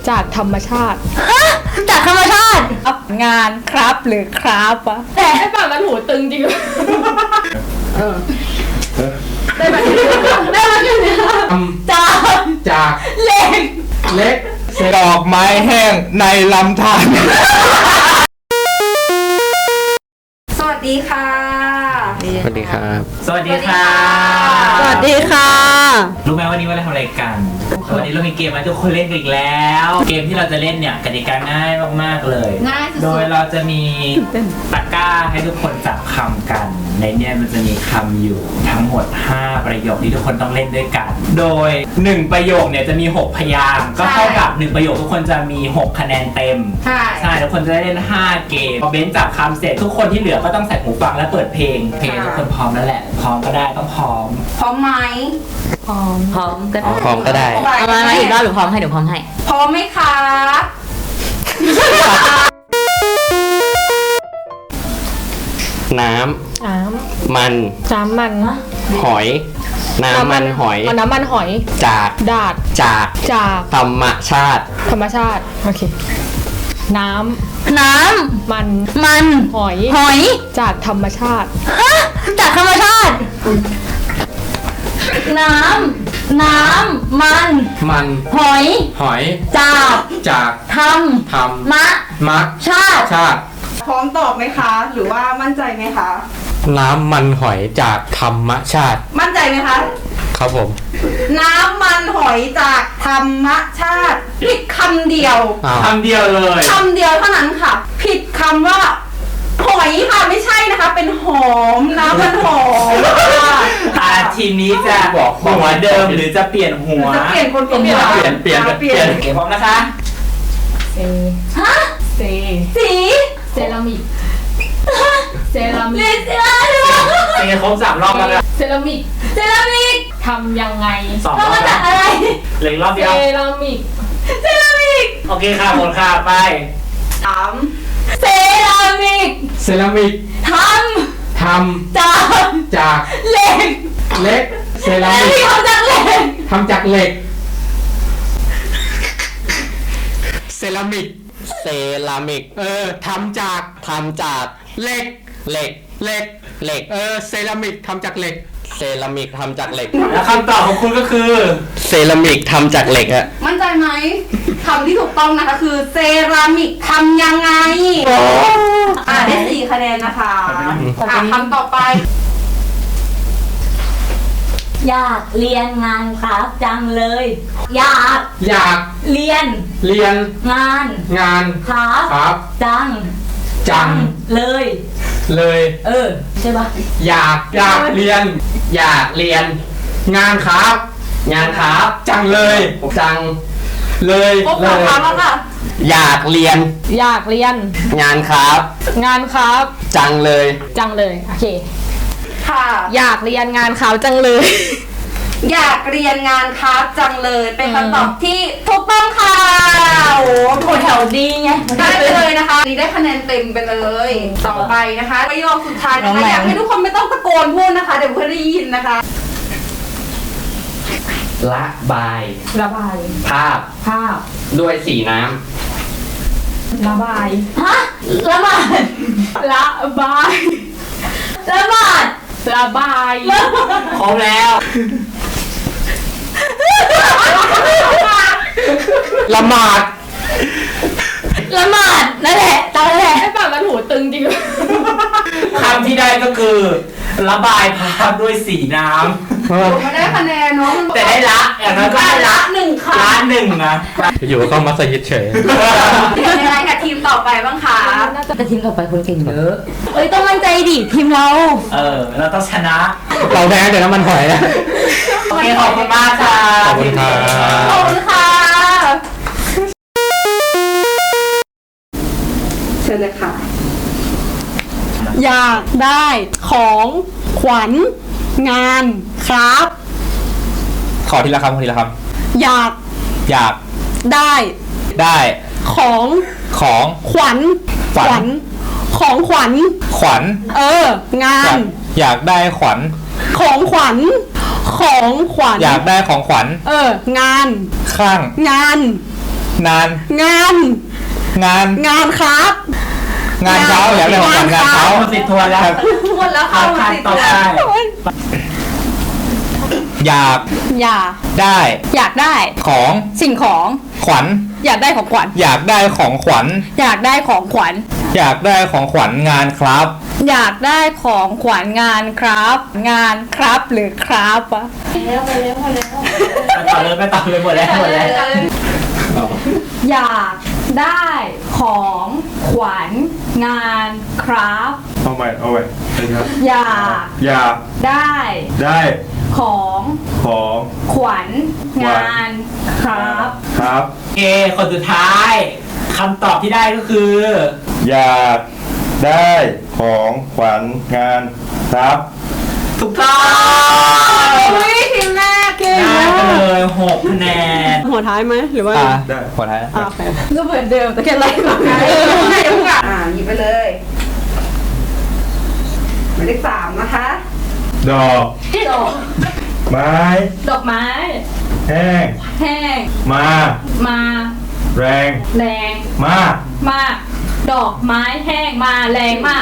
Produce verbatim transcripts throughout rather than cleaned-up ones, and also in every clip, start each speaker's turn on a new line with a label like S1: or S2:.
S1: จากธรรมชาติ
S2: จากธรรมชาติ
S1: งานครับหรือครับวะ
S2: แต่
S1: ไอ้ฝั่งนั้นหูตึงจริงเออได้ไหมได้ไหมเนี่ย
S2: จาก
S3: จาก
S2: เหล็ก
S3: เล็กดอกไม้แห้งในลำธาร
S2: สวัสดีค่ะ
S3: สวัสดีครับ
S4: สวัสดีค่ะ
S2: สวัสดีค่ะ
S4: รู้ไหมวันนี้ว่าเราทำอะไรกัน วันนี้เรามีเกมมาให้ทุกคนเล่นกันอีกแล้ว เกมที่เราจะเล่นเนี่ยกติกาง่ายมากๆเลย
S2: ง่ายสุดๆ
S4: โดยเราจะมีตะกร้าให้ทุกคนจับคำกัน ในเนี้ยมันจะมีคำอยู่ทั้งหมดห้าประโยคที่ทุกคนต้องเล่นด้วยกัน โดยหนึ่งประโยคเนี่ยจะมีหกพยางค์ก็เท่ากับหนึ่งประโยคทุกคนจะมีหกคะแนนเต็ม
S2: ใช่
S4: ใช่ทุกคนจะได้เล่นห้าเกมพอเบนจับคำเสร็จทุกคนที่เหลือก็ต้องใส่หูฟังและเปิดเพลง เพลงทุกคนพร้อมแล้วแหละ พร้อมก็ได้ต้องพร้อม
S2: พร้อมไหม
S1: พร้อม
S2: พร้อมก็ได้
S3: พร้อมก็ได้
S2: เอามามาอีกรอบหรือพร้อมให้เดี๋ยวพร้อมให้ พร้อมไหมคะ
S3: น้
S1: น้
S3: ำมัน
S1: ำน้ำมัน
S3: หอย น้ำมันหอย
S1: เอาน้ำมันหอย
S3: จาก
S1: ดาด
S3: จาก
S1: จาก
S3: ธรรมชาติ
S1: ธรรมชาติโอเคน้
S2: น้
S1: ำมัน
S2: ำมัน
S1: หอย
S2: หอย
S1: จากธรรมชาติ
S2: ฮะจากธรรมชาติ น้ำ น้ำ มัน
S3: มัน
S2: หอย
S3: หอย
S2: จาก
S3: จาก
S2: ท
S3: ธรร
S2: ำ มะ
S3: มะ
S2: ชาติ
S3: ชาติ
S5: พร้อมตอบไหมคะ หรือว่ามั่นใจไหมคะ
S3: น้ำมันหอยจากธรรมชาติ
S5: มั่นใจไหมคะ
S3: ครับผม
S5: น้ำมันหอยจากธรรมชาติผิดคำเดียว
S3: อ้าว
S4: คำเดียวเลย
S5: คำเดียวเท่านั้นค่ะ ผิดคำว่า หอยค่ะไม่ใช่นะคะ เป็นหอมน้ำมันหอมค่ะ
S4: อ่าทีมนี้จะหัวเดิมหรือจะเปลี่ยนหัว
S5: จะเปลี่ยนคนเปลี่ยน
S4: เปลี่ยนเปลี่ยน
S5: อ่ะ
S4: เปลี่ยนเก็บพร้อมนะคะ
S1: เซ
S2: ฮะ
S1: เซ
S2: สี
S1: เซรามิกเซรามิ
S2: ลิ
S1: ก
S2: เซียหรือเปล่า
S4: เป็นไงครบสามรอบแล้วนะ
S1: เซรามิก
S2: เซรามิก
S1: ทำยังไง
S4: สองร
S2: ทำ
S4: อบ
S2: มา
S4: แล้
S2: จาว กอะไร
S4: เหลืออีกรอบ
S1: เซ
S4: เดียว
S1: รามิก
S2: เซรามิก
S4: โอเคค่ะหมดค่ะไป
S5: สาม
S2: เซรามิก
S3: เซรามิก
S2: ท
S3: ท
S2: ำจาก
S3: ำจาก
S2: เหล็ก
S3: เล็ก เซรา
S2: และ
S3: มิก
S2: ที่ทำจากเหล็ก
S3: ทำจากเหล็ก เซรามิก เซรามิก เออทำจากทำจากเหล็ก เหล็ก เหล็ก เหล็ก เออ เซรามิกทำจากเหล็ก เซรามิกทำจากเหล็ก
S4: แล้วคำตอบของคุณก็คือ
S3: เซรามิกทำจากเหล็กอะ
S5: มั่นใจไหมคำที่ถูกต้องนะคะคือเซรามิกทำยังไงอ่าได้สี่คะแนนนะคะอ่าคำต่อไป
S2: อยากเรียนงานครับจังเลย อยาก
S3: อยาก
S2: เรียน
S3: เรียน
S2: งาน
S3: งาน
S2: ครับ
S3: ครับ
S2: จัง
S3: จัง
S2: เลย
S3: เลย
S2: เออ ใช่ปะ
S3: อยาก อยากเรียน อยากเรียน งานครับ งานครับ จังเลย จัง เลย
S5: ครบ
S3: เล
S5: สาม
S3: ย
S5: ครั้งแล้วค่ะ
S3: อยากเรียน
S1: อยากเรียน
S3: งานครับ
S1: งานครับ
S3: จังเลย
S1: จังเลยโอเค
S5: ค่ะ
S1: อยากเรียนงานเขาจังเลย
S5: อยากเรียนงานครับจังเลย เป็นคำตอบที่ถูกต้องค่ะโอ้โห
S2: โหแถวดีไง
S5: ได้ไปเลยนะคะนี่ได้คะแนนเต็มไปเลย ต่อไปนะคะประโยคสุดท้ายนะคะอยากให้ทุกคนไม่ต้องตะโกนพูดนะคะ เดี๋ยวเพื่อนได้ยินนะคะ
S3: ละบาย
S1: ระบาย
S3: ภาพ
S1: ภาพ
S3: ด้วยสีน้
S1: ระบาย
S2: ฮะละบาด
S1: ระบาย
S2: ละบาด
S1: ระบาย
S4: ครบแล้ว
S3: ำละหมาด
S2: ละหมาดนั่นแหละตามนั่นแหละ
S1: ไอ้ฝั่งนั้นหูตึงจริง
S4: คำที่ได้ก็คือระบายภาพด้วยสีน้
S5: ผมไม่ได้คะแนนเนาะ
S4: ำแต่ได้ละอย่างนั้นก็
S5: ได้
S4: ได้
S5: ละ
S4: ละ
S5: หนึ่งค่ะ
S4: ล้านหนึ่งนะ
S3: อยู่ก็มาสยิดเฉย
S5: เป็นยังไงกับทีมต่อไปบ้างคะ
S2: แต่ทีมต่อไปคนเก่งเยอะเอ้ยต้องมั่นใจดิทีมเรา
S4: เออ เราต้องชนะ
S3: เราแพ้เดี๋ยวน้ำมันหอยนะ
S4: โอเคขอบคุณมากค่ะ
S3: ขอบคุณครับ
S5: ขอบคุณค่ะเชิญเลยค่ะ
S6: อยากได้ของขวัญงานครับ
S3: ขอทีละคำขอทีละค
S6: อยาก
S3: ำอยาก
S6: ได้
S3: ได้
S6: ของ
S3: ของ
S6: ขวัญ
S3: ขวัญ
S6: ของขวัญ
S3: ขวัญ
S6: เออ งา
S3: อยาน กอยากได้ขวัญ
S6: ของขวัญของขวัญ
S3: อยากได้ของขวัญ
S6: เออ งาน
S3: ข้าง
S6: งาน
S3: นาน
S6: งาน
S3: งาน
S6: งานครับ
S3: งานเช้าแล้วเรื่องของงานเช้า
S4: หมดสิทธิ์ทวนแล้ว
S5: หมดแล้วค่ะ
S4: เอา
S5: หมด
S4: คัน
S5: สิทธิ์
S4: ต่อ
S5: แล้ว
S4: ไป
S3: อยาก
S6: อยาก
S3: ได้
S6: อยากได้
S3: ของ
S6: สิ่งของ
S3: ขวัญ
S6: อยากได้ของขวัญ
S3: อยากได้ของขวัญ
S6: อยากได้ของขวัญ
S3: อยากได้ของขวัญงานครับ
S6: อยากได้ของขวัญงานครับ งานครับหรือครับวะ
S5: แล้วไปแล้วไปแล้ว
S4: ไปต่อเลยไปต่อเลยหมดแล้วหมดแล้ว
S6: อยากได้ของขวัญงานครับ
S7: เอาใหม่เอาใหม่นะครับ
S6: อยาก
S7: อยาก
S6: ได้
S7: ได้
S6: ของ
S7: ของ
S6: ขวัญงานครับ
S7: ครับ
S4: เอคนสุดท้ายคำตอบที่ได้ก็คือ
S7: อยากได้ของขวัญงานครับ
S4: ถูกต้อง
S5: อุ้ยทีมแรกเก่ง
S4: ได้ไปเลยหกคะแนน
S6: หัวท้ายไหมหรือว่า
S3: อ่า
S7: ได้
S3: ขอท้าย
S6: อ่าโอเคก็เหมือนเดิมแต่แค่ไล่มา
S5: เออให้ทุกอย่างอ่าหยิบไปเลยหมายเลขสามนะคะ
S7: ดอก
S6: ดอก
S7: ไม้
S6: ดอกไม้
S7: แห้ง
S6: แห้ง
S7: มา
S6: มา
S7: แรง
S6: แรง
S7: มาก
S6: มาก ดอกไม้แห้งมาแรงมาก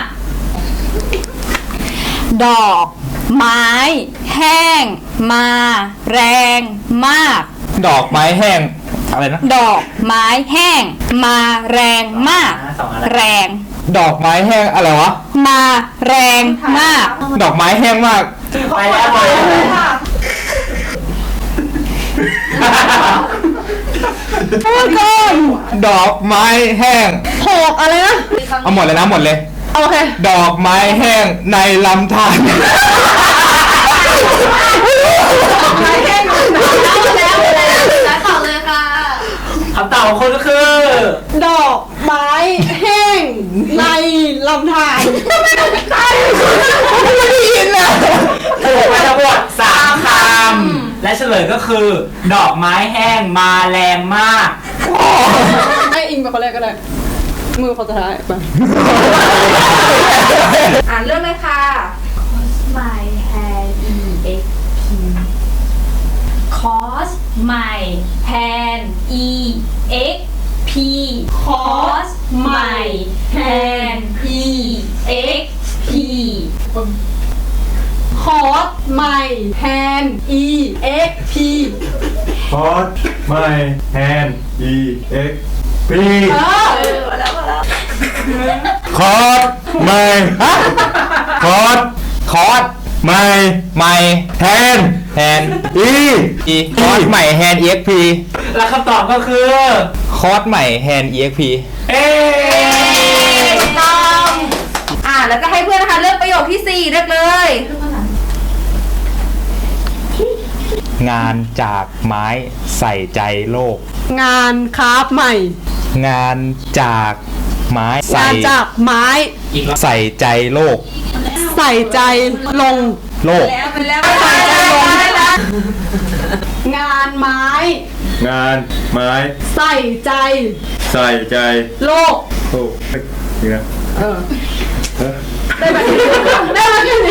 S6: ดอกไม้แห้งมาแรงมาก
S3: ดอกไม้แห้งอะไรนะ
S6: ดอกไม้แห้งมาแรงมาก
S4: สองอะไร
S6: แรง
S3: ดอกไม้แห้งอะไรวะ
S6: มาแรงมาก
S3: ดอกไม้แห้งมาก
S4: ไปแล้วไปแล้ว
S6: ก่อน
S3: ดอกไม้แห้ง
S6: หกอะไรนะ
S3: เอาหมดเลยนะหมดเลย
S6: โอเค
S3: ดอกไม้แห้งในลำธาร
S5: แล้วต่อเลยค่ะ
S4: คำตอบของคุณก็คือ
S6: ดอกไม้แห้งในลำธารทำไมต้องใต้ไม่ได้ยินอ่ะ
S4: ถูกไปทั้งหมดสามคำและเฉลยก็คือ ดอกไม้แห้งมาแรงมาก
S6: ให้อิงไปคนแรกก็ได้ มือคนสุดท้ายไป
S5: อ่านเรื่องเลยค่ะ
S2: my hair e x p cos my hand e x p cos my hand e x p
S6: คอร์สใหม่แฮน e x p
S7: พอดไม้แฮนด์อีเอ็กพี
S6: เออ
S7: คอร์ดไม้ฮะคอร์ด
S3: คอร์ส
S7: ไม้
S3: ใหม่
S7: แฮนด์
S3: แฮน
S7: อี
S3: อีคอร์สใหม่แฮน exp
S4: และคำตอบก็คือ
S3: คอร์สใหม่แฮน exp
S4: เอ๊
S5: ถูกต้องอ่าแล้วก็ให้เพื่อนนะคะเลือกประโยคที่สี่เลือกเลย
S3: งานจากไม้ใส่ใจโลก
S6: งานคราฟใหม่
S3: งานจากไม้ใส่
S6: งานจากไม้
S4: อีกรอบ
S3: ใส่ใจโลก
S6: ใส่ใจลง
S3: โลก
S5: ไปแล้วไปแล้วไปแล้ว
S6: งานไม้
S7: งานไม้
S6: ใส่ใจ
S7: ใส่ใจ
S6: โลก
S7: โอ้เฮ้ยนี่นะ
S6: เออ
S7: เอ้อ
S6: ได้แบบนี้ได้แบบนี้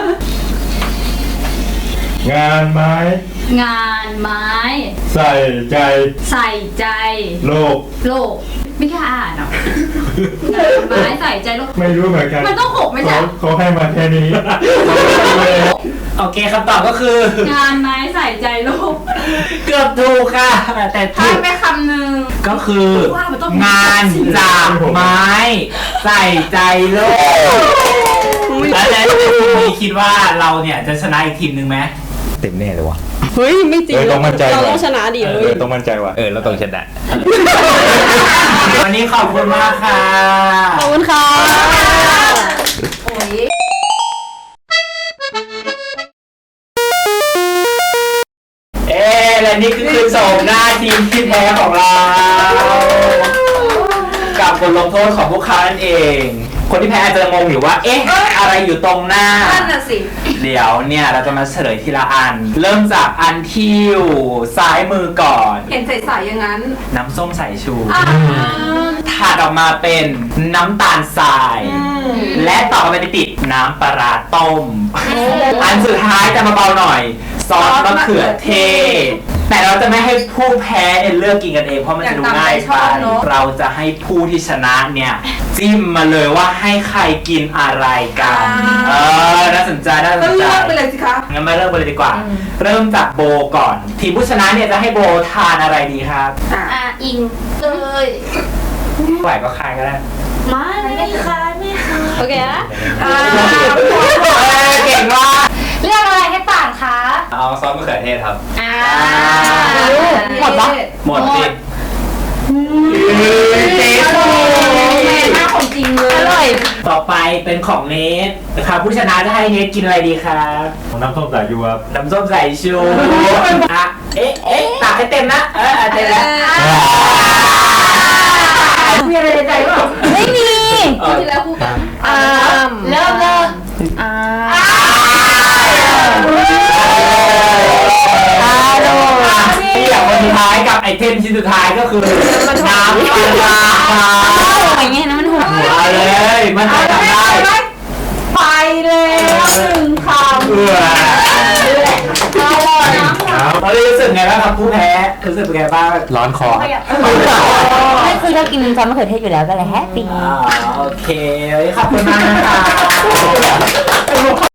S7: งานไม้
S2: งานไม้
S7: ใส่ใจ
S2: ใส่ใจ
S7: โลก
S2: โลก ไม่กล้าอ่านหรอกงานไม้ใส่ใจโลก
S7: ไม่รู้เหมือนกัน
S2: มันต้องหกไหมจ๊ะ
S7: เขาเขาให้มาแค่นี้
S4: โอเคคำตอบก็คือ
S2: งานไม้ใส่ใจโลก
S4: เกือบถูกค่ะ แต่
S5: พลา
S4: ถู
S5: ด
S4: ก
S5: ไปคำหนึ่ง
S4: ก็คือ
S2: ว่ามันต้อง
S4: งานจากไม้ ใส่ใจโลกแล้วในทีมนี้คิดว่าเราเนี่ยจะชนะอีกทีมหนึ่งไหม
S3: เต็มแน่เลยวะ
S6: เฮ้ย ไม่จริง
S7: เออต้องมั่นใจ
S6: เรา
S7: ว่ะ
S6: ต้องชนะดิ
S7: เอ
S6: เฮ้ย
S7: อต้องมั่นใจว่ะ
S3: เออเราต้องชนะ
S4: วันนี้ขอบคุณมากค่ะ
S6: ขอบคุณค่ะ
S5: โอ้ย
S4: เอ๊ะและนี่คือคือโฉมหน้าทีมที่แพ้ของเรา กับบทลงโทษของพวกเขานั่นเอง คนที่แพ้อาจจะงงอยู่ว่า เอ๊ะ อะไรอยู่ตรงหน้า
S5: นั่นน่ะสิ
S4: เดี๋ยวเนี่ยเราจะมาเฉลยทีละอัน เริ่มจากอันที่อยู่ซ้ายมือก่อน
S5: เห็นใสๆอย่างนั้น
S4: น้ำส้มสายชู
S5: อ่า
S4: ถัดออกมาเป็นน้ำตาลทราย และต่อมาเป็นติดน้ำปลาร้าต้ม อันสุดท้ายจะมาเบาหน่อย ซอสมะเขือเทศแต่เราจะไม่ให้ผู้แพ้เนี่ยเลือกกินกันเองเพราะมันจะดูง่ายไปเราจะให้ผู้ที่ชนะเนี่ยจิ้มมาเลยว่าให้ใครกินอะไรกันเออน่าสนใจน่าส
S5: ก็
S4: นใจ
S5: เลือกไปเลยสิคะ
S4: งั้นมาเริ่มกันเลยดีกว่า เริ่มจากโบก่อน ทีมผู้ชนะเนี่ยจะให้โบทานอะไรดีครับ
S5: อ่ะ
S2: อ่ะอิงเลย
S4: ไหวก็คายก็ได้
S2: มาไม่ค่ะไม่ค่ะ
S1: โอเคนะ
S5: อ่า
S4: เก่งมาก
S2: เรื่องอะไรให้ป่านคะ
S8: เอาซอสมะเขือเทศครับ
S2: อ่า
S5: หมดปะ
S4: หมดสิ
S5: เจ๊โบแม่หน้าของจริงเลย
S1: อร่อย
S4: ต่อไปเป็นของเนทนะครับผู้ชนะจะให้เนทกินอะไรดีครับ
S7: น้ำส้มสายชูครับ
S4: น้ำส้มสายชูอ่ะเอ๊ะเอ๊ะตักให้เต็มนะเออเต็มแล้วมีอะไรในใจเปล่า
S2: ไม่มี
S4: เออ
S5: ที่แล้วคู่กัน
S1: อ่า
S2: เริ่มเริ่มอ่า
S4: ที่อย่างวันสุดท้ายกับไอเทมชิ้นสุดท้ายก็คือน้ำปลา
S2: อย่างเงี้ยนะมันหัว
S4: เอาเลยมันจะทำได้
S5: ไปแล้วหนึ่งคำ
S4: เออตอนนี้รู้สึกไงบ้างครับผู้แพ้รู้สึกเป็นไงบ้าง
S3: ร้อนคอ
S2: ไม่คือเรากินซอสมะเขือเทศอยู่แล้วก็เลยแฮปปี้
S4: อ่าโอเคขอบคุณมากนะคะ